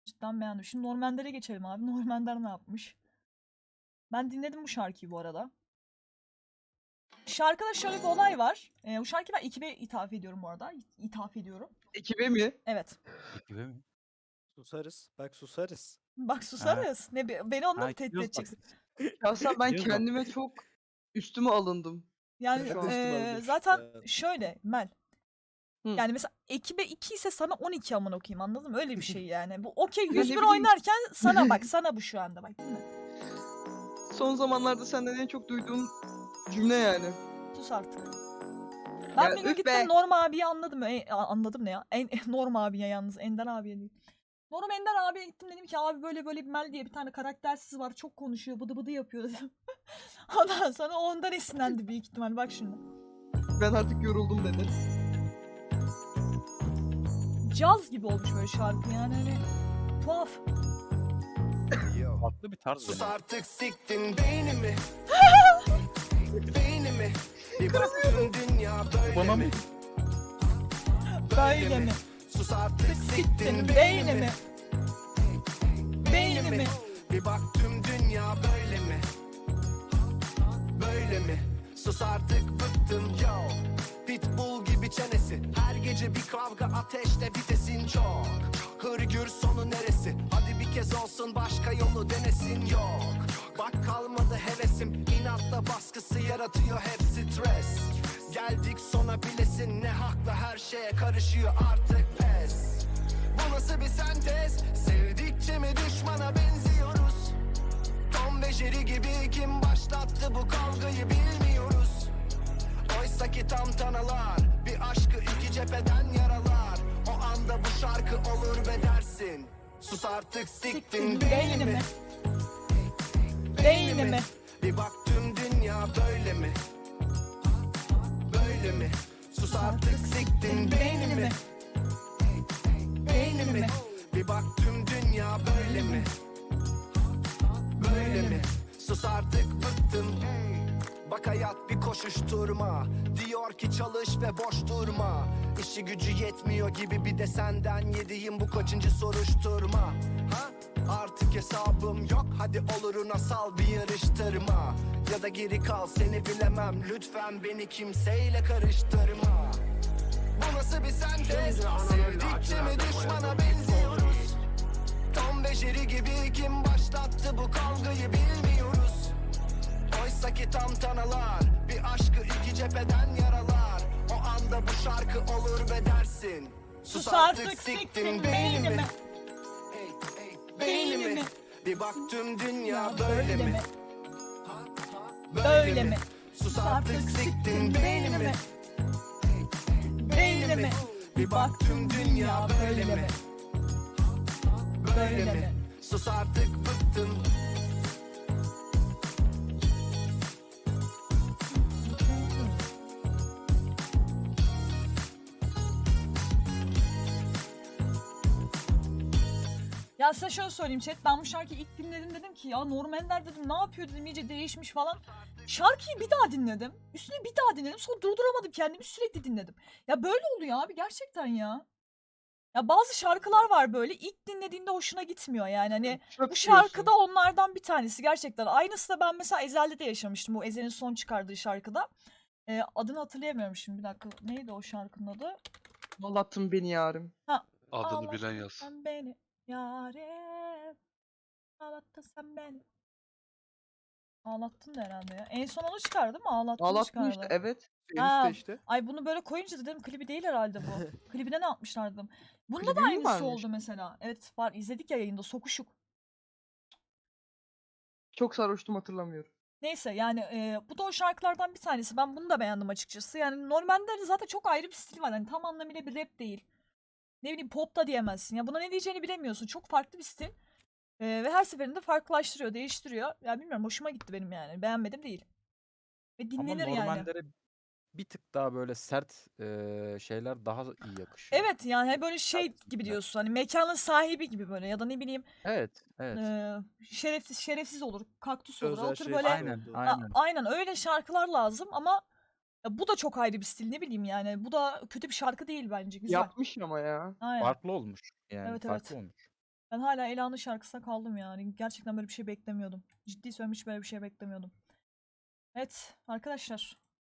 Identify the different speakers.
Speaker 1: Cidden beğendim. Şimdi Normander'e geçelim abi. Normender ne yapmış? Ben dinledim bu şarkıyı bu arada. Şarkıda şöyle bir olay var. Bu şarkıyı ben ekibe ithaf ediyorum bu arada. İthaf ediyorum.
Speaker 2: Ekibe mi?
Speaker 1: Evet.
Speaker 3: Ekibe mi?
Speaker 4: Susarız. Bak susarız.
Speaker 1: Bak
Speaker 3: Ha.
Speaker 1: susarız. Ne, beni onunla
Speaker 3: Ha,
Speaker 1: mı tehdit
Speaker 3: gidiyoruz bak.
Speaker 1: edeceksin?
Speaker 2: Şahsen ben
Speaker 3: Gidiyoruz bak.
Speaker 2: kendime çok üstüme alındım.
Speaker 1: Yani
Speaker 2: Şu an
Speaker 4: üstüme alınmış.
Speaker 1: zaten
Speaker 4: Evet.
Speaker 1: şöyle Mel.
Speaker 2: Hı.
Speaker 1: Yani mesela ekibe 2 ise sana 12 aman okuyayım, anladın mı? Öyle bir şey yani. Bu okey
Speaker 2: Ya
Speaker 1: 101
Speaker 2: ne bileyim.
Speaker 1: oynarken sana bak, sana bu şu anda bak, değil mi?
Speaker 2: Son zamanlarda senden en çok duyduğum cümle yani.
Speaker 1: Sus artık. Ben
Speaker 2: Ya
Speaker 1: bir gün
Speaker 2: üf
Speaker 1: gittim
Speaker 2: be.
Speaker 1: Norm abiyi anladım. Anladım ne ya? Norm abiye yalnız. Ender abiye değil. Norm Ender abiye gittim, dedim ki abi böyle böyle bir Mel diye bir tane karaktersiz var. Çok konuşuyor, bıdı bıdı yapıyor dedim. Ondan sonra o ondan esinlendi büyük ihtimal. Bak şimdi.
Speaker 2: Ben artık yoruldum dedi.
Speaker 1: Caz gibi olmuş böyle şarkı yani, hani tuhaf.
Speaker 3: Farklı bir tarz
Speaker 5: Sus
Speaker 3: yani.
Speaker 5: artık siktin beynimi. Beynimi. Bir baktın dünya böyle
Speaker 3: Bana mı?
Speaker 5: mi?
Speaker 1: Böyle mi?
Speaker 5: Sus artık
Speaker 1: Siktin
Speaker 5: siktin
Speaker 1: beynimi.
Speaker 5: beynimi.
Speaker 1: Beynimi.
Speaker 5: Bir baktım dünya böyle mi? Böyle mi? Sus artık bıktım yo. Pitbull gibi çenesi. Her gece bir kavga ateşte vitesin çok. Hırgür sonu neresi? Hadi bir kez olsun başka yolu denesin yok. Bak kalmadı hevesim. İnatla baskısı yaratıyor hep stres. Geldik sona bilesin ne hakla her şeye karışıyor artık pes. Bu nasıl bir sentez? Sevdikçe mi düşmana benziyoruz? Tom ve Jerry gibi kim başlattı bu kavgayı bilmiyoruz. Oysa ki tantanalar bir aşkı iki cepheden yaralar. O anda bu şarkı olur ve dersin. Sus artık siktin beynimi.
Speaker 1: Beynimi.
Speaker 5: Bir baktım dünya böyle mi? Böyle mi? Sus artık siktin beynimi. Beynimi. Bir baktım dünya böyle mi? Böyle mi? Sus artık bıktım. Bak hayat bir koşuşturma. Diyor ki çalış ve boş durma. İşi gücü yetmiyor gibi bir de senden yediğim bu kaçıncı soruşturma. Ha? Artık hesabım yok. Hadi oluruna sal bir yarıştırma. Ya da geri kal seni bilemem. Lütfen beni kimseyle karıştırma. Bu nasıl bir sentez? Sevdikçe mi düşmana benziyoruz? Tom ve Jerry gibi kim başlattı bu kavgayı bilmiyoruz. Oysa ki tantanalar bir aşkı iki cepheden yaralar. O anda bu şarkı olur ve dersin.
Speaker 1: Sus artık siktin beynimi.
Speaker 5: Beynimi. Bir baktım dünya böyle mi?
Speaker 1: Böyle mi?
Speaker 5: Sus artık siktin beynimi.
Speaker 1: Beynimi.
Speaker 5: Bir baktım dünya böyle mi? Böyle mi? Sus artık bıktım.
Speaker 1: Ya size şöyle söyleyeyim chat, ben bu şarkıyı ilk dinledim, dedim ki ya Norm Ender dedim ne yapıyor dedim, iyice değişmiş falan. Şarkıyı bir daha dinledim. Üstüne bir daha dinledim. Sonra durduramadım kendimi, sürekli dinledim. Ya böyle oluyor abi gerçekten ya. Ya bazı şarkılar var böyle ilk dinlediğinde hoşuna gitmiyor yani, hani
Speaker 2: Çöp
Speaker 1: bu şarkı da
Speaker 2: diyorsun.
Speaker 1: onlardan bir tanesi gerçekten. Aynısı da ben mesela Ezel'de de yaşamıştım, bu Ezel'in son çıkardığı şarkıda. Adını hatırlayamıyorum şimdi, bir dakika, neydi o şarkının adı?
Speaker 2: Ağlattın beni yarim.
Speaker 6: Adını bilen yaz.
Speaker 1: Ağlattın beni yarim, ağlattın sen beni. Ağlattın da herhalde ya. En son onu çıkardı değil mi? Ağlattın
Speaker 2: Ağlattın
Speaker 1: çıkardı.
Speaker 2: işte evet.
Speaker 1: Ha,
Speaker 4: Enişte işte.
Speaker 1: Ay bunu böyle koyunca dedim klibi değil herhalde bu. Klibine ne yapmışlar dedim. Bunda
Speaker 2: Klibi
Speaker 1: da
Speaker 2: mi
Speaker 1: aynısı
Speaker 2: varmış?
Speaker 1: oldu mesela. Evet var, izledik ya yayında, sokuşuk.
Speaker 2: Çok sarhoştum hatırlamıyorum.
Speaker 1: Neyse yani bu da o şarkılardan bir tanesi. Ben bunu da beğendim açıkçası. Yani normalde zaten çok ayrı bir stil var. Hani tam anlamıyla bir rap değil. Ne bileyim pop da diyemezsin. Ya buna ne diyeceğini bilemiyorsun. Çok farklı bir stil. Ve her seferinde farklılaştırıyor, değiştiriyor. Ya bilmiyorum, hoşuma gitti benim yani. Beğenmedim değil. Ve
Speaker 3: Ama
Speaker 1: dinlenir yani.
Speaker 3: Normander'e bir tık daha böyle sert şeyler daha iyi yakışıyor.
Speaker 1: Evet yani hani böyle şey
Speaker 3: Sert
Speaker 1: gibi
Speaker 3: isimler.
Speaker 1: diyorsun. Hani mekanın sahibi gibi böyle, ya da ne bileyim
Speaker 3: Evet, evet.
Speaker 1: şerefsiz olur, kaktüs olur.
Speaker 4: Özel
Speaker 1: O tür
Speaker 4: şey
Speaker 1: böyle
Speaker 3: Aynen,
Speaker 4: oldu.
Speaker 3: aynen.
Speaker 1: aynen öyle şarkılar lazım ama ya bu da çok ayrı bir stil, ne bileyim yani. Bu da kötü bir şarkı değil bence, güzel.
Speaker 2: Yapmış ama ya.
Speaker 1: Aynen.
Speaker 3: Farklı olmuş. Yani
Speaker 1: Evet,
Speaker 3: farklı
Speaker 1: evet.
Speaker 3: olmuş.
Speaker 1: Ben hala Ela'nın şarkısına kaldım yani. Gerçekten böyle bir şey beklemiyordum. Ciddi söylüyorum, hiç böyle bir şey beklemiyordum. Evet arkadaşlar.